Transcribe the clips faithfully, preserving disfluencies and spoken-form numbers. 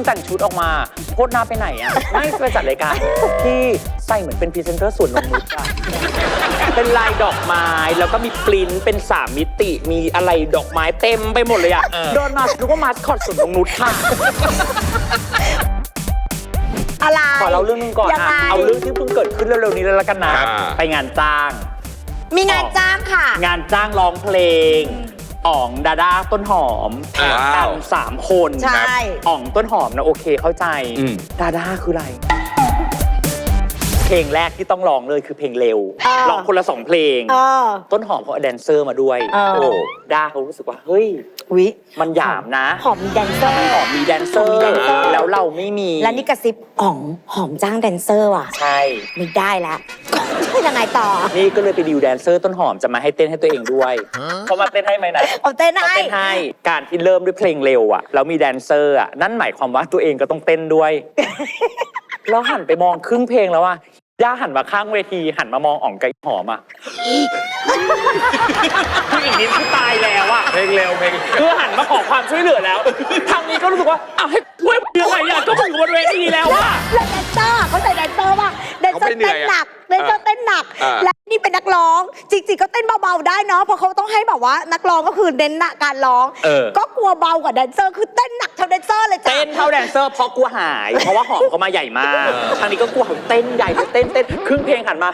แต่งชุดออกมาโพสหน้าไปไหนอ่ะไม่ไปจัดรายการที่ใส่เหมือนเป็นพรีเซนเตอร์ส่วนนงนุชอ่ะเป็นลายดอกไม้แล้วก็มีปริ้นเป็นสามมิติมีอะไรดอกไม้เต็มไปหมดเลยอ่ะโดนมานึกว่ามาสคอตส่วนนงนุชค่ะอะไรขอเล่าเรื่องนึงก่อนอ่ะเอาเรื่องที่เพิ่งเกิดขึ้นเร็วๆนี้เลยละกันนะไปงานจ้างมีงานจ้างค่ะงานจ้างร้องเพลงอ๋องดาด้าต้นหอมกันสามคนใช่อ๋องต้นหอมนะโอเคเข้าใจดาด้าคืออะไรเพลงแรกที่ต้องร้องเลยคือเพลงเร็วร้องคนละสองเพลงต้นหอมเขาเอาแดนเซอร์มาด้วยโอ้ด้าเขารู้สึกว่าเฮ้ยมันหยามนะหอมมีแดนเซอร์หอมมีแดนเซอร์แล้วเราไม่มีแล้วนี่กระซิบอ๋องหอมจ้างแดนเซอร์ว่ะใช่ไม่ได้แล้วจะยังไงต่อนี่ก็เลยไปดิวแดนเซอร์ต้นหอมจะมาให้เต้นให้ตัวเองด้วยเขามาเต้นให้ไหมนะเอาเต้นให้เต้นให้การที่เริ่มด้วยเพลงเร็วอ่ะแล้วมีแดนเซอร์อ่ะนั่นหมายความว่าตัวเองก็ต้องเต้นด้วยแล้วหันไปมองครึ่งเพลงแล้วอ่ะย่าหันมาข้างเวทีหันมามองอ๋องไก่หอมอ่ะคืออีกนิดคือตายแล้วอ่ะเพลงเร็วเพลงคือหันมาขอความช่วยเหลือแล้วทางนี้ก็รู้สึกว่าอ้าวให้ช่วยยังไงอ่ะก็มึงบนเวทีแล้วอ่ะแล้วแดนเซอร์เขาใส่แดนเซอร์ว่าแดนเซอร์เต้นหนักแดนเซอร์เต้นหนักและนี่เป็นนักร้องจริงๆก็เต้นเบาๆได้เนาะเพราะเขาต้องให้แบบว่านักร้องก็คือเน้นการร้องก็กลัวเบากว่าแดนเซอร์คือเต้นหนักเท่าแดนเซอร์เลยจ้ะเต้นเท่าแดนเซอร์เพราะกลัวหายเพราะว่าหอมเขามาใหญ่มากทางนี้ก็กลัวเต้นใหญ่เต้นเต้นครึ่งเพลงหันมา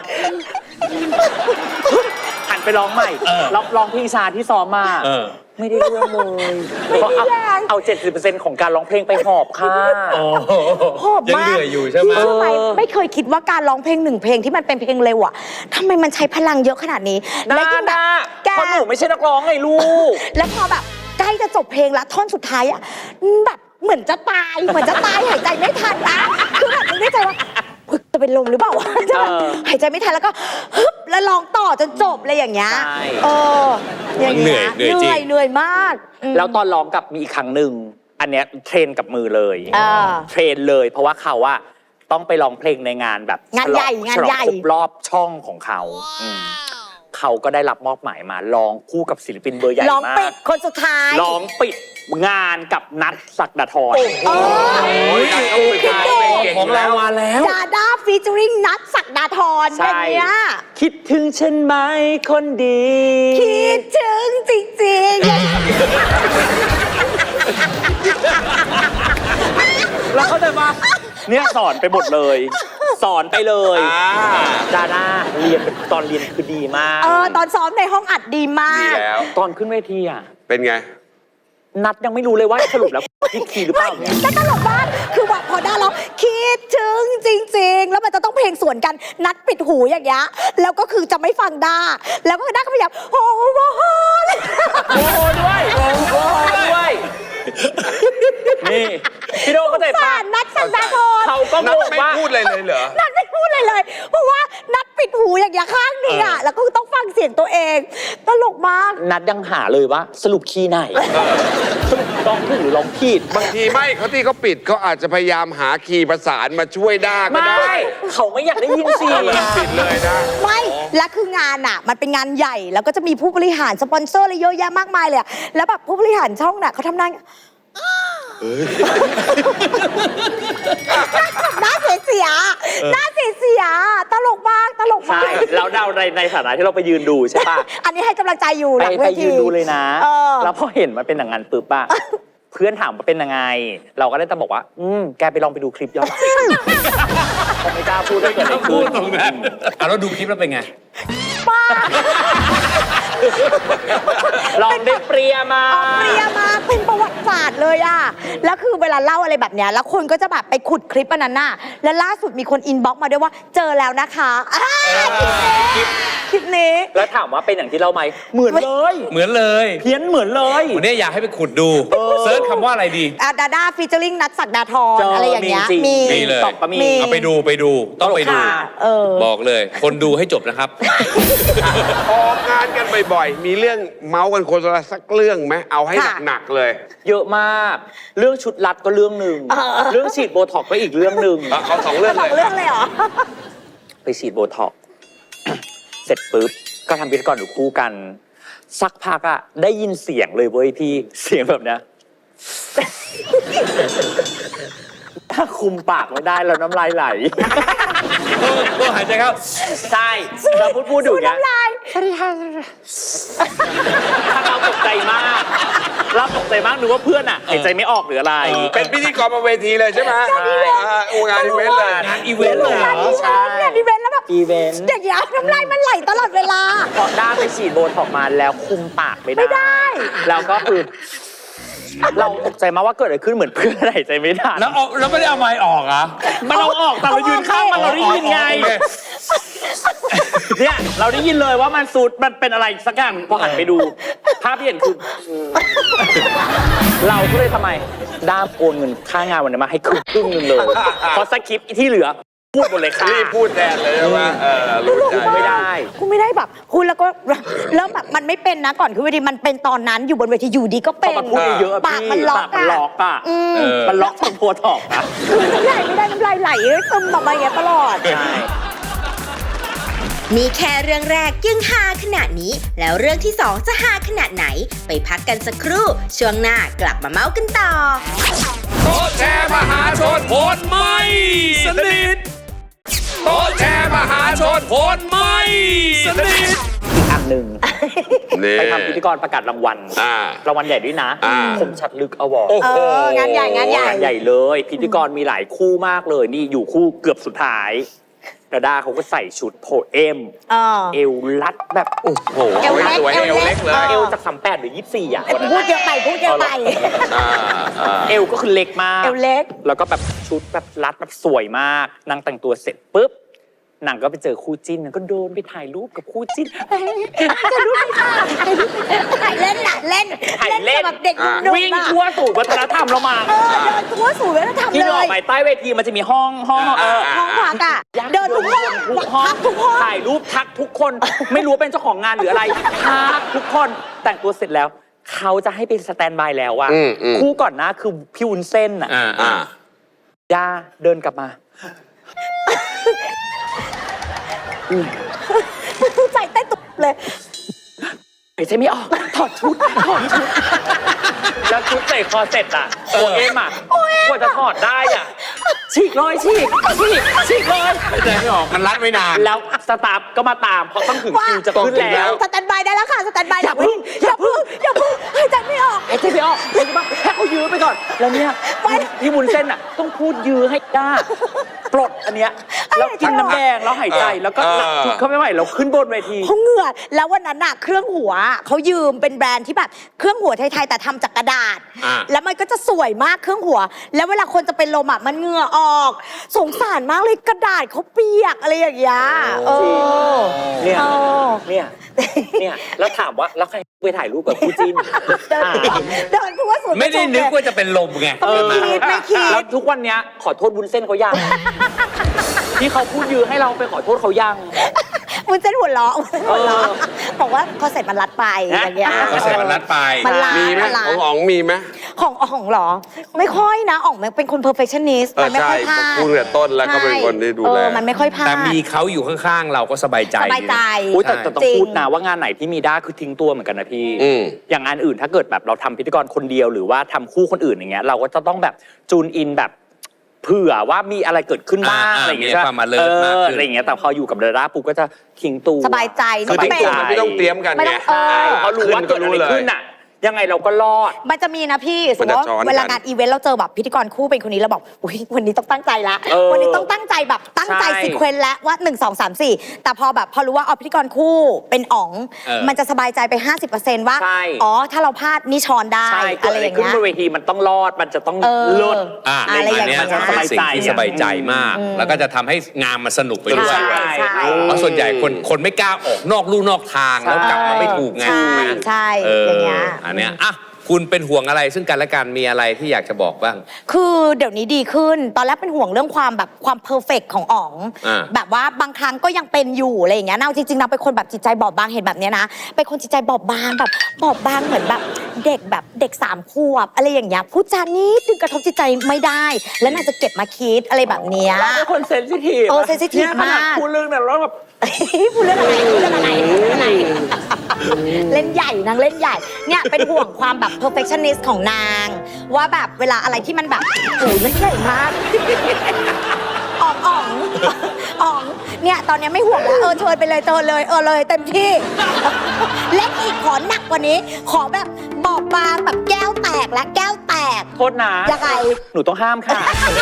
หันไปร้องใหม่ร้องร้องเพลงชาที่ซ้อมมาไม่ได้เรื่องเลยเพราะเอา เจ็ดสิบเปอร์เซ็นต์ ของการร้องเพลงไปหอบค่ะหอบมากยังเหนื่อยอยู่ใช่ไหมเชื่อไหมไม่เคยคิดว่าการร้องเพลงหนึ่งเพลงที่มันเป็นเพลงเร็วอ่ะทำไมมันใช้พลังเยอะขนาดนี้แล้วยิ่งแบบแกเพราะหนูไม่ใช่นักร้องไงลูกแล้วพอแบบใกล้จะจบเพลงแล้วท่อนสุดท้ายอ่ะแบบเหมือนจะตายเหมือนจะตายหายใจไม่ทันอ่ะคือแบบนึกในใจว่าจะเป็นลมหรือเปล่าจะหายใจไม่ทันแล้วก็ฮึบแล้วร้องต่อจนจบเลยอย่างเงี้ยเอออย่างเงี้ยเหนื่อยเหนื่อยมากแล้วตอนร้องกับมีอีกครั้งหนึ่งอันเนี้ยเทรนกับมือเลยเทรนเลยเพราะว่าเขาว่าต้องไปร้องเพลงในงานแบบงานใหญ่งานใหญ่ครบรอบช่องของเขาเขาก็ได้รับมอบหมายมาร้องคู่กับศิลปินเบอร์ใหญ่มากร้องปิดคนสุดท้ายร้องปิดงานกับนัทศักดาธรโอ้ยของเรามาแล้วดาด้าฟีเจอริ่งนัทศักดาธรอย่างเงี้ยคิดถึงฉันไหมคนดีคิดถึงจริงๆแล้วเขาจะมาเนี่ยสอนไปหมดเลยสอนไปเลยดาด้าเรียนตอนเรียนคือดีมากเออตอนซ้อมในห้องอัดดีมากดีแล้วตอนขึ้นเวทีอ่ะเป็นไงนัดยังไม่รู้เลยว่าสรุปแล้วพี่คีหรือเปล่าเนี่ยแต่ตลกมากคือแบบพอได้แล้วคิดถึงจริงๆแล้วมันจะต้องเพลงสวนกันนัดปิดหูอย่างเงี้ยแล้วก็คือจะไม่ฟังด้าแล้วก็ด้าก็พยายามโอ้โหโอ้โหโอ้โหด้วยโอ้โหด้วยนี่พี่โดเข้าใจป่ะนัดสักดาธรเขาก็นัดไม่พูดเลยเลยเหรอนัดไม่พูดเลยเลยเพราะว่านัดปิดหูอย่างเงี้ยข้างนึงอ่ะแล้วก็ต้องฟังเสียงตัวเองตลกมากนัดยังหาเลยว่าสรุปคีย์ไหนสรุปร้องถูกหรือร้องผิดบางทีไม่เขาที่เขาปิดเขาอาจจะพยายามหาคีย์ประสานมาช่วยด้าก็ได้ไม่เขาไม่อยากได้ยินเสียงปิดเลยนะไม่และคืองานอ่ะมันเป็นงานใหญ่แล้วก็จะมีผู้บริหารสปอนเซอร์อะไรเยอะแยะมากมายเลยแล้วแบบผู้บริหารช่องน่ะเขาทำหน้าหน้าเสียเสียหน้าเสียเสียตลกมากตลกมากใช่แล้วเราในในฐานะที่เราไปยืนดูใช่ป่ะอันนี้ให้กำลังใจอยู่หลังเวทีไปยืนดูเลยนะแล้วพอเห็นมันเป็นอย่างนั้นปุ๊บป่ะเพื่อนถามว่าเป็นยังไงเราก็ได้แต่บอกว่าอืมแกไปลองไปดูคลิปย้อนหลังผมไม่กล้าพูดเลยเกิดอะไรขึ้นตรงนั้นอ่ะเราดูคลิปแล้วเป็นไงป้าลองได้เปรียมาเปรียมาเป็นประวัติศาสตร์เลยอะแล้วคือเวลาเล่าอะไรแบบเนี้ยแล้วคนก็จะแบบไปขุดคลิปอันนั้นน่ะแล้วล่าสุดมีคนอินบ็อกซ์มาด้วยว่าเจอแล้วนะคะคลิปนี้แล้วถามว่าเป็นอย่างที่เราไหมเหมือนเลยเหมือนเลยเพี้ยนเหมือนเลยวันนี้อยากให้ไปขุดดูเซิร์ชคำว่าอะไรดีดาด้าฟีเจอริ่งนัทศักดาธรอะไรอย่างเงี้ยมีมีเลยเอาไปดูไปดูต้องไปดูบอกเลยคนดูให้จบนะครับออกงานกันบ่อยๆมีเรื่องเมาส์กันคนละสักเรื่องไหมเอาให้หนักๆเลยเยอะมากเรื่องชุดรัดก็เรื่องหนึ่งเรื่องฉีดโบท็อกก็อีกเรื่องหนึ่งเอาสองเรื่องเลยสองเรื่องเลยเหรอไปฉีดโบท็อกเสร็จปุ๊บก็ทำพิธีกรอยู่คู่กันสักพักอะได้ยินเสียงเลยเว้ยพี่เสียงแบบเนี้ยคุมปากไม่ได้แล้วน้ำลายไหลเออเออหายใจเข้าใช่เราพูดพูดอยู่อย่างเงี้ยน้ำลายถ้าเราตกใจมากเราตกใจมากนึกว่าเพื่อนอ่ะหายใจไม่ออกหรืออะไรเป็นพิธีกรบนเวทีเลยใช่ไหมอ่าโอ้งานอีเวนต์เลยงานอีเวนต์เลยเหรอใช่เนี่ยอีเวนต์แล้วแบบอีเวนต์อย่างเงี้ยน้ำลายมันไหลตลอดเวลาพอด้าไปฉีดโบท็อกซ์มาแล้วคุมปากไม่ได้ไม่ได้แล้วก็คือ เราตกใจมากว่าเกิดอะไรขึ้นเหมือนเพื่อนหายใจไม่ทันแล้วเอาแล้วไม่ได้เอาไม้ออกเหรอ่ะมันเราออกแต่เรายืนข้างมันเราได้ยินไง เนี่ยเราได้ยินเลยว่ามันสูดมันเป็นอะไรสักอย่างพอหันไปดู ภาพที่เห็นคือ เราก็เลยทำไมด้ามโอนเงินค่างานวันนี้มาให้ครึ่งครึ่งนึงเลย เพราะสคริปต์ที่เหลือพูดหมดเลยค่ะรีบพูดแทนเลยใช่ไหมเออรู้ใจไม่ได้กูไม่ได้แบบคุณแล้วก็แล้วแบบมันไม่เป็นนะก่อนคือเวทีมันเป็นตอนนั้นอยู่บนเวทีอยู่ดีก็พเป็อน มันพูดเยอะๆปากพี่มันล็อกปากมันล็อกอ่ะอืมเออมันล็อกตรงโพทอกอ่ะคือน้ำลายไม่ได้น้ำลายไหลเลยซึมออกมาอย่างเงี้ยตลอดใช่มีแค่เรื่องแรกยังฮาขนาดนี้ แล้วเรื่องที่สองจะฮาขนาดไหน ไปพักกันสักครู่ ช่วงหน้ากลับมาเมาส์กันต่อโต๊ะแชร์มหาชนโหดไม่สนิทโต๊ะแชร์มหาชนโหดไม่สนิทอีกอันหนึ่งนี่ไปทำพิธีกรประกาศรางวัลอ่ารางวัลใหญ่ด้วยนะอ่าคมชัดลึกอวอร์ดโอ้โหเอองานใหญ่งานใหญ่งานใหญ่เลย พิธีกรมีหลายคู่มากเลย นี่อยู่คู่เกือบสุดท้ายดาด้าเขาก็ใส่ชุดโพเอมเออเอวลัดแบบโอ้โหเอวเล็กสวยเอเอววเล็เล็กกเลยเอวจากสามแปดหรือยี่สิบสี่อ่ะวันนั้นพูดเยอะไปพูดเยอะไปอ่าอ่าเอวก็คือเล็กมากเอวเล็กแล้วก็แบบชุดแบบรัดแบบสวยมากนางแต่งตัวเสร็จปุ๊บนางก็ไปเจอคู่จิ้นนางก็โดนไปถ่ายรูปกับคู่จิ้นจะรู้ไหมคะถ่ายเล่นน่ะเล่นถ่ายเล่นกับเด็กอ่าดุๆวิ่งอะทั่วสู่วัฒนธรรมเรามาเออเดินทั่วสู่วัฒนธรรมที่เลเราออกยไปใต้เวทีมันจะมีห้องห้องเออห้องพักอะเดินทุกห้องทุกห้องพักทุกห้องถ่ายรูปทักทุกคน ไม่รู้ว่าเป็นเจ้าของงานหรืออะไรทักทุกคนแต่งตัวเสร็จแล้ว เขาจะให้ไปสแตนบายแล้วอะอืมอืมคู่ก่อนหน้าคือพี่วุ้นเส้นอะอ่าอ่าย่าเดินกลับมาใจเต้นตุบเลยหายใจไม่ออกถอดชุดถอดชุดแล้วชุดใส่คอเสร็จอะโอเอ็มอะกว่าจะถอดได้อะฉีกเลยฉีกฉีกฉีกเลยหายใจไม่ออกมันรัดไม่นานแล้วสตาฟก็มาตามเพราะต้องถึงคิวจะขึ้นแล้วสแตนบายได้แล้วค่ะสแตนบายอย่าพึ่งอย่าพึ่งอย่าพึ่งหายใจไม่ออกหายใจไม่ออกหายใจไม่ออกให้เขายื้อไปก่อน แล้วเนี่ยพี่มุนเส้นอ่ะต้องพูดยื้อให้กล้าปลดอันเนี้ยแล้วกินน้ำแดงแล้วหายใจแล้วก็หลับชุดเขาไม่ไหวแล้วขึ้นบนเวทีเขาเหงื่อแล้ววันนั้นน่ะเครื่องหัวเขายืมเป็นแบรนด์ที่แบบเครื่องหัวไทยๆแต่ทำจากกระดาษอ่าแล้วมันก็จะสวยมากเครื่องหัว แล้วเวลาคนจะเป็นลมอ่ะมันเหงื่อออก สงสารมากเลยกระดาษเขาเปียกอะไรอย่างเงี้ยเออเนี่ยเออเนี่ยเนี่ยแล้วถามว่าแล้วใครไปถ่ายรูปกับคู่จิ้นเดินเดินทั่วสวนไม่ได้นึกว่าจะเป็นลมไงไม่คิดไม่คิแล้วดทุกวันเนี้ยขอโทษวุ้นเส้นเขายัง ที่เขาพูดยื้อให้เราไปขอโทษเขายังมันเส้นหัวเราะมันเส้นหัวเราะบอกว่าคอนเซ็ปต์มันรัดไปอย่างเงี้ยคอนเซ็ปต์มันรัดไปมันรัดมีไหมมันรัดของอ๋องมีไหมของอ๋องเหรอ ไม่ค่อยนะอ๋องมันเป็นคน perfectionist เออมันไม่ใช่ค่อยพลาดพูดแต่ต้นแล้วก็เป็นคนที่ดูเอแลอมันไม่ค่อยพลาดแต่มีเขาอยู่ข้างๆ เราก็สบายใจสบายใจอุ๊ยแต่แต่ต้องจริงพูดนะว่างานไหนที่มีด้าคือทิ้งตัวเหมือนกันนะพี่อืมอย่างงานอื่นถ้าเกิดแบบเราทำพิธีกรคนเดียวหรือว่าทำคู่คนอื่นอย่างเงี้ยเราก็จะต้องแบบจูนอินแบบเผื่อว่ามีอะไรเกิดขึ้นบ้างอ่าอะไรอย่างเงี้ยมีความ alert เออมากขึ้นอะไรอย่างเงี้ยแต่พออยู่กับเดาด้าปุ๊บก็จะทิ้งตัวสบายใจคือไม่ติ๊กเป็นตัวมันไม่ต้องเตรียมกันไม่ไงต้องเออเขารู้ว่าเกิดอะไรขึ้นน่ะยังไงเราก็รอดมันจะมีนะพี่สมมมันติจะว่าซ้อนกันเวลางานอีเวนต์เราเจอแบบพิธีกรคู่เป็นคนนี้เราบอกอุ้ยวันนี้ต้องตั้งใจละเออวันนี้ต้องตั้งใจแบบตั้งใจใช่ซีเควนต์แล้วว่าหนึ่ง สอง สาม สี่แต่พอแบบพอรู้ว่าเอาพิธีกรคู่เป็นอ๋องเออมันจะสบายใจไป ห้าสิบเปอร์เซ็นต์ ว่าใช่อ๋อถ้าเราพลาดนี่ช้อนได้ใช่เกิอะดไรอะอไรย่างขึ้นเงี้ยบนเวทีมันต้องรอดมันจะต้องเออเลิศอ่าอะไรอย่างเงี้ยนนี้เป็นสิ่งที่สบายใจมาก แล้วก็จะทำให้งานมันสนุกไปด้วยใช่ใช่เพราะส่วนใหญ่คนคนไม่กล้าออกนอกลู่นอกทางแล้วกลับมาไม่ถูกไงใช่ใช่เอออย่างเงี้ยอันเนี้ยอ่ะคุณเป็นห่วงอะไรซึ่งกันและกันมีอะไรที่อยากจะบอกบ้างคือเดี๋ยวนี้ดีขึ้น ตอนแรกเป็นห่วงเรื่องความแบบความเพอร์เฟกของอ๋องอ่าแบบว่าบางครั้งก็ยังเป็นอยู่อะไรอย่างเงี้ยนาจริงๆนาเป็นคนแบบจิตใจบอบบางเห็นแบบเนี้ยนะ เป็นคนจิตใจบอบบางแบบบอบบางเหมือนแบบเด็กแบบเด็กสามขวบอะไรอย่างเงี้ยพูดจานิดนึงกระทบจิตใจไม่ได้ แล้วน่าจะเก็บมาคิดอะไรแบบเนี้ยเราเป็นคนเซนซิทีฟเออ sensitive นี่ยขนาดมากพูดเรื่องนั้นแล้วแบบพูดเรื่องอะไรพูดเรื่องอะไรพูดเรื่องอะไรเล่นใหญ่นางเล่นใหญ่เนี่ยเป็นห่วงความแบบ perfectionist ของนาง ว่าแบบเวลาอะไรที่มันแบบโอ้ยมันใหญ่มากอ๋องอ๋องอ๋องเนี่ยตอนนี้ไม่ห่วงแล้วเออเชิญไปเลยเชิญเลยเออเลยเต็มที่เล่นอีกขอหนักกว่านี้ ขอแบบบอบบางแบบแก้วแตกและแก้วแตกโทษนะยังไงหนูต้องห้ามค่ะ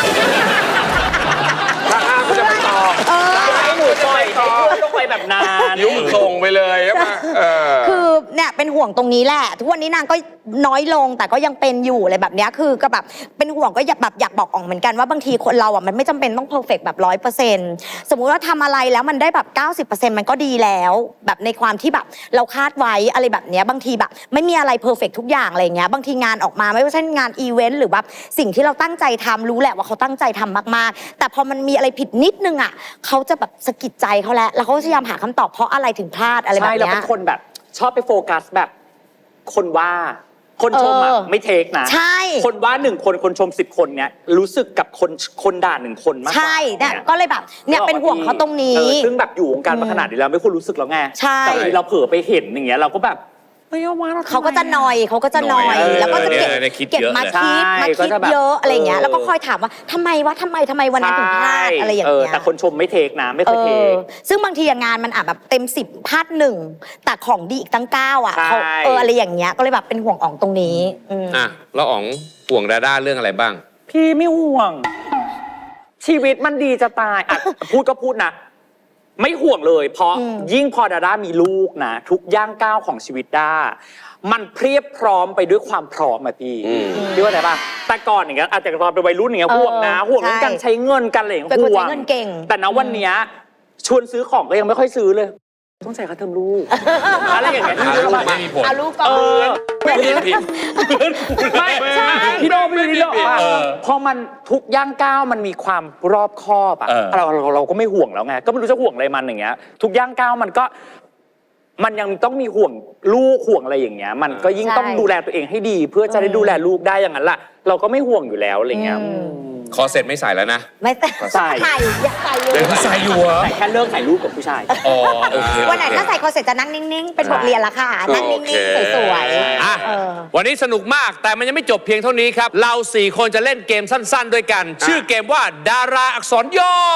ถ้าห้ามก็จะไปต่อเออให้หนูปล่อยให้เพื่อนต้องไปแบบนานยุ่งส่งไปเลยใช่ไหมเออคือเนี่ยเป็นห่วงตรงนี้แหละ ทุกวันนี้นางก็น้อยลงแต่ก็ยังเป็นอยู่อะไรแบบเนี้ยคือก็แบบเป็นห่วงก็อยากแบบอยากบอกอ่องเหมือนกันว่าบางทีคนเราอ่ะมันไม่จำเป็นต้องเพอร์เฟกต์แบบร้อยเปอร์เซ็นต์สมมุติว่าทำอะไรแล้วมันได้แบบเก้าสิบเปอร์เซ็นต์มันก็ดีแล้ว แบบในความที่แบบเราคาดไว้อะไรแบบเนี้ยบางทีแบบไม่มีอะไรเพอร์เฟกต์ทุกอย่างอะไรเงี้ยบางทีงานออกมาไม่ว่าจะงานอีเวนต์หรือแบบสิ่งที่เราตั้งใจทำรู้แหละว่าเขาตั้งใจทำมากๆแต่พอมันมีอะไรผิดนิดนึงอ่ะเขาจะแบบสะกิดใจเขาแล้วแล้วเขาพยายามหาคำตอบเพราะอะไรถึงพลาดอะไรแบบใช่แล้วเนี้เป็ยนคนแบบชอบไปโฟกัสแบบคนว่า คนชมอ่ะเออไม่เทคนะใช่คนว่าหนึ่งคนคนชมสิบคนเนี้ยรู้สึกกับคนคนด่าหนึ่งคนมากกว่าใช่เนี่ยก็เลยแบบเนี่ยเป็นห่วงเขาตรงนี้เออซึ่งแบบอยู่วงการมาขนาดนี้แล้วไม่ควรรู้สึกแล้วไงใช่แต่บางทีเราเผลอไปเห็นอย่างเงี้ยเราก็แบบเฮ้ยว่าเราทำไมเขาก็จะนอยเขาก็จะนอยหน่อยเออแล้วก็จะเก็บเนี่ยเนี่ยคิดเก็บเยอะมาเลยคิดใช่มาก็คิดจะแบบเยอะอะไรอย่างเงี้ยเออแล้วก็คอยถามว่าทำไมวะทำไมทำไมวันนั้นถึงพลาดอะไรอย่างเออเงี้ยแต่คนชมไม่เทคนะไม่เคเอยเทอคซึ่งบางทีงานมันอาจแบบเต็มสิบพลาดหนึ่งแต่ของดีอีกตั้งเก้าอ่ะใช่เขาเอออะไรอย่างเงี้ยก็เลยแบบเป็นห่วงอ่องตรงนี้อืมอ่ะแล้วอ๋องห่วงดาด้าเรื่องอะไรบ้างพี่ไม่ห่วง ชีวิตมันดีจะตายอ่ะ พูดก็พูดนะ ไม่ห่วงเลย เพราะอืมยิ่งพอดาด้ามีลูกนะ ทุกย่างก้าวของชีวิตด้ามันเพรียบพร้อมไปด้วยความพร้อมอะพี่อืมพี่ว่าไงป่ะแต่ก่อนอย่างเงี้ยอาจจะตอนเป็นวัยรุ่นอย่างเงี้ยเออห่วงนะห่วงเรื่องใช่การใช้เงินกันอะไรอย่างเงี้ยเป็นคนห่วใช้งเงินเก่งแต่ณวันเนี้ยชวนซื้อของก็ยังไม่ค่อยซื้อเลย ต้องใส่ค่าเทอมลูกอะไรอย่างเงี้ยอ่ะพี่ลูรู้กป่ะไม่มีผลเอาลูกก่อเอน อไม่ผิดไม่ใช่พี่โดไม่ได้หรอกว่าเออพอมันทุกย่างก้าวมันมีความรอบคอบอ่ะเออเราเราเราก็ไม่ห่วงแล้วไงก็ไม่รู้จะห่วงอะไรมันอย่างเงี้ย ทุกย่างก้าวมันก็ มันยังต้องมีห่วงลูกห่วงอะไรอย่างเงี้ย มันก็ยิ่งใช่ต้องดูแลตัวเองให้ดี เพื่อจะได้ดูแลลูกได้อย่างนั้นล่ะ เราก็ไม่ห่วงอยู่แล้วอะไรเงี้ยอืมคอเสร็จไม่ใส่แล้วนะไม่ใส่ใส่ใส่อยากใส่อยู่เดี๋ยวใส่อยู่เหรอแต่แค่เลิกถ่ายรูปกับผู้ชายอ๋อโอเควันไหนถ้าใส่คอเสร็จจะนั่งนิ่งๆ เป็นบทเรียนละค่ะ นั่งนิ่งๆ สวยอ่ะๆเออวันนี้สนุกมากแต่มันยังไม่จบเพียงเท่านี้ครับ เราสี่คนจะเล่นเกมสั้น ๆ ด้วยกัน ชื่อเกมว่าดาราอักษรย่อ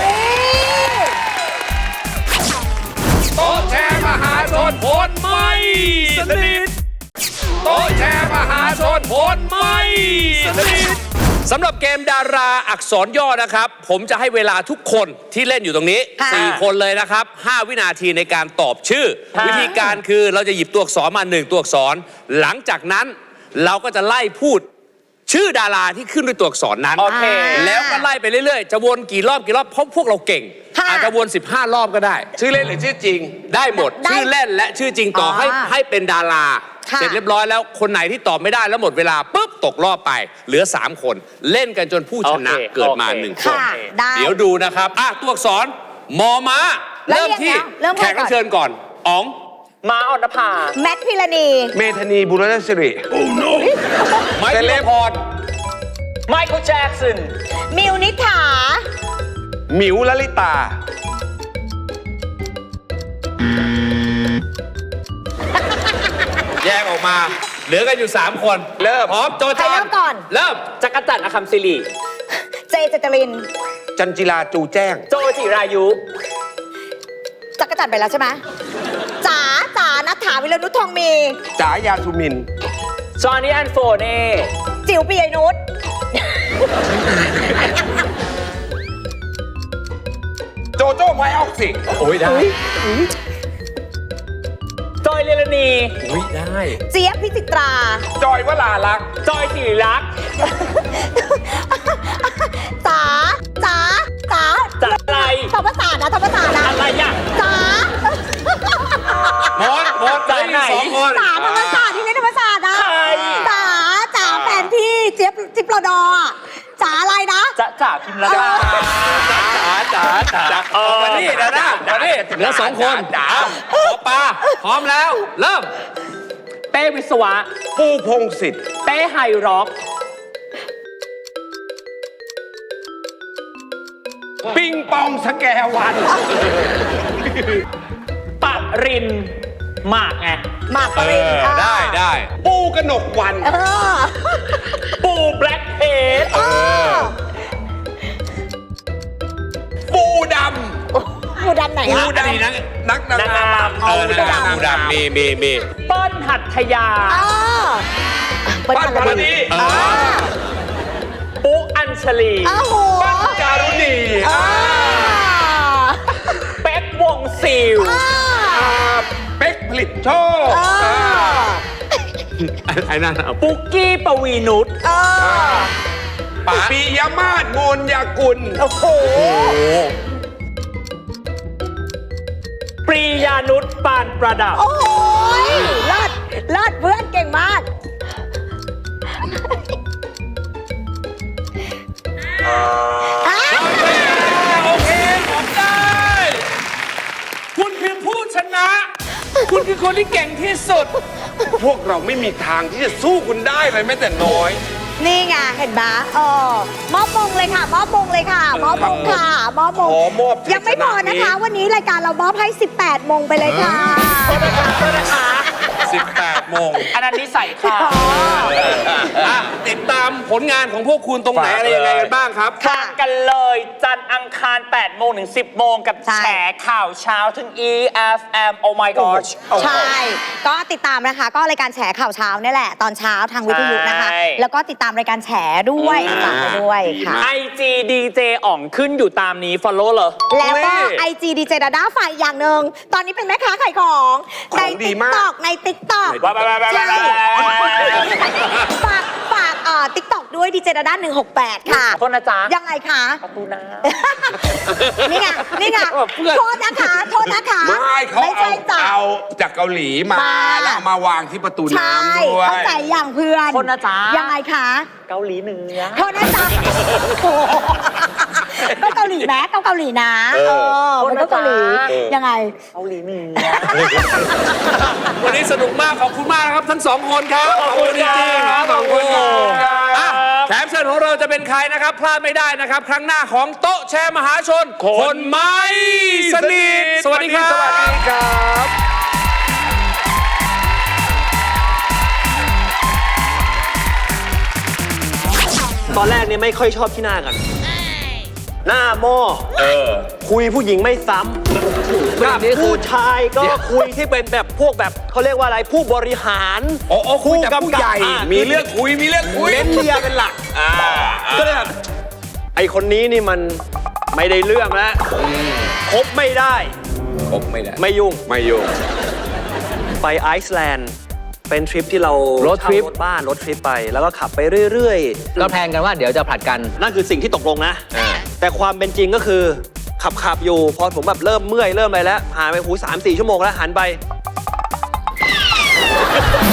โต๊ะแชร์มหาชนผลไม่สนิทโต๊ะแชร์มหาชนผลไม่สนิทสำหรับเกมดาราอักษรย่อนะครับ ผมจะให้เวลาทุกคนที่เล่นอยู่ตรงนี้ค่ะสี่คนเลยนะครับห้าวินาทีในการตอบชื่อค่ะวิธีการคือเราจะหยิบตัวอักษรมาหนึ่งตัวอักษร หลังจากนั้นเราก็จะไล่พูดชื่อดาราที่ขึ้นด้วยตัวอักษรนั้นโอเคแล้วก็ไล่ไปเรื่อยๆ จะวนกี่รอบกี่รอบเพราะพวกเราเก่งค่ะอาจจะวนสิบห้ารอบก็ได้ชื่อเล่นหรือชื่อจริงได้หมดได้ชื่อเล่นและชื่อจริงต่อให้อ่าให้เป็นดาราค่ะเสร็จเรียบร้อยแล้วคนไหนที่ตอบไม่ได้แล้วหมดเวลาปุ๊บตกรอบไป เหลือสามคน เล่นกันจนผู้ชนะโอเคเกิดมาโอเคหนึ่งคนค่ะ ได้เดี๋ยวดูนะครับอ่ะตัวอักษรมอม้าแล้วเริ่มที่เริ่มแขก่อนกรับเชิญก่อนอ๋องม้าออนภาแมทพิรณีเมธานีบุรณสิริไม้เซพิเลรบพรไมเคิลแจ็กสันมิวนิษฐาหมิวลลิตาแยกออกมา เหลือกันอยู่สามคนเริ่มพร้อมโจใครจานเริ่มก่อนเริ่มจักรจันทร์อคัมศิริเจเจตรินจันจิลาจูแจ้งโจจิรายุจักรจันทร์ไปแล้วใช่ไหมจ๋าจ๋านัทถาวิรนุชทองมีจ๋ายาสุมินจอห์นนี่แอนโฟเน่จิ๋วปียนุชโจโจ้ไวออกซิโอ้ยได้จอยเรลนีอุ้ยได้เจี๊ยบพิจิตราจอยวลาลักษณ์จอยสิริลักษณ์จ๋าจ๋าจ๋าจ๋าอะไรธรรมศาสตร์นะธรรมศาสตร์นะอะไรอ่ะจ๋าหมดหมดจ๋าไหนสองคนจ๋าธรรมศาสตร์ที่นี่ธรรมศาสตร์นะใครจ๋าจ๋าแฟนพี่เจี๊ยบจิ๊บรอดออะจ๋าอะไรนะจ๋าจ๋าพิมพ์ละดาจ๋าจ๋าจ๋าเออมานี่นะนะมานี่เหลือสองคนจ๋าหมอปลาพร้อมแล้ว เริ่มเป้วิศวะปูพงศิษฐ์เป้ไฮร็อกปิงปองสแกวันปะรินหมากไงหมากปเอรินอ ได้ได้ ปูกนกวันเออปูแบล็คเพจเออปูดปูดำไหนำปูอะดำนักนักนางงามเอเอออนักงามปูดำมีมีมีเปิ้ลหัตถยาเออเปิ้ลปั้นปพรอดีดีเออปุ๊อัญชลีโอ้โหจารุณีเออเป๊กวงซิลเอออ่าเป๊กผลิตโชคเออไอ้นั่นปุกกี้ปวีนุชเออป๋าปิยมาศโมนยากุลโอ้โหปรียานุชปานประดับโอ้ยเลิศเลิศเพื่อนเก่งมากโอเคผมได้ คุณคือผู้ชนะ คุณคือคนที่เก่งที่สุดพวกเราไม่มีทางที่จะสู้คุณได้เลยแม้แต่น้อยนี่ไงเห็นปะเออมอบมงเลยค่ะมอบมงเลยค่ะมอบมงค่ะมอบมงขอมอบยังไม่พอนะคะ วันนี้รายการเรามอบให้ สิบแปดมงไปเลยค่ะสิบแปดโมงอันนั้นนิสัยค่ะอ่ะติดตามผลงานของพวกคุณตรงไหนฝากอะไรยังไงกันบ้างครับค่ะกันเลยจันทร์อังคารแปดโมงถึงสิบโมงกับใช่แฉข่าวเช้าถึง E F M Oh my gosh ใช่ ก็ติดตามนะคะ ก็รายการแฉข่าวเช้านี่แหละ ตอนเช้าทางวิทยุนะคะใช่แล้วก็ติดตามรายการแฉด้วยฝากไปด้วยค่ะไอจีดีเจอ่องขึ้นอยู่ตามนี้ follow เลยแล้วก็นี่ไอจีดีเจดาด้าฝ่ายอย่างหนึ่งตอนนี้เป็นแม่ค้าขายของในของดีติ๊กมากตอกในติ๊กตอกว้าวว้าวว้าวว้าวใช่ฝากฝากเอ่อติ๊กตอกด้วยดีเจดาด้าหนึ่งหกแปดค่ะขอโทษนะจ๊ะยังไงคะประตูน้นี่ไง นี่ไงเพื่อนโทษนะคะ โทษนะคะไม่เขาไม่เอาใช่จ้ะเอาจากเกาหลีมามาแล้วเอามาวางที่ประตูใช่น้ำด้วยเข้าใจอย่างเพื่อนโทษนะจ๊ะยังไงคะำเกาหลีเหนือโทษนะจ๊ะโอ้โหก็เกาหลีแม้ก็เกาหลีนะ เออ มันก็เกาหลี ยังไงเกาหลีเหนือวันนี้สนุกมากขอบคุณมากนะครับทั้งสองคนครับขอบคุณจริงๆครับขอบคุณขอบคุณครับอ่ะแขกเชิญของเราจะเป็นใครนะครับพลาดไม่ได้นะครับ ครั้งหน้าของโต๊ะแชร์มหาชน คนไม่สนิทสวัสดีครับสวัสดีครับตอนแรกเนี่ยไม่ค่อยชอบที่หน้ากัน หน้าหม้อเออคุยผู้หญิงไม่ซ้ำกับผู้ชายก็คุยที่เป็นแบบพวกแบบเขาเรียกว่าอะไรผู้บริหารโอ้โอ้คุยแต่ผู้ใหญ่อ่ะมีเรื่องคุย มีเรื่องคุยเน้นเลียเป็นหลักอ่าก็เลยแบบไอคนนี้นี่มันไม่ได้เรื่องแล้วคบไม่ได้คบไม่ได้ไม่ยุ่งไม่ยุ่งไปไอซ์แลนด์เป็นทริปที่เรารถทริปเช่ารถบ้านรถทริปไป แล้วก็ขับไปเรื่อยๆก็แพลนกันว่าเดี๋ยวจะผลัดกันนั่นคือสิ่งที่ตกลงนะ แต่ความเป็นจริงก็คือขับขับอยู่ พอผมแบบเริ่มเมื่อยเริ่มอะไรแล้วผ่านไปหูสามสี่ชั่วโมงแล้วหันไป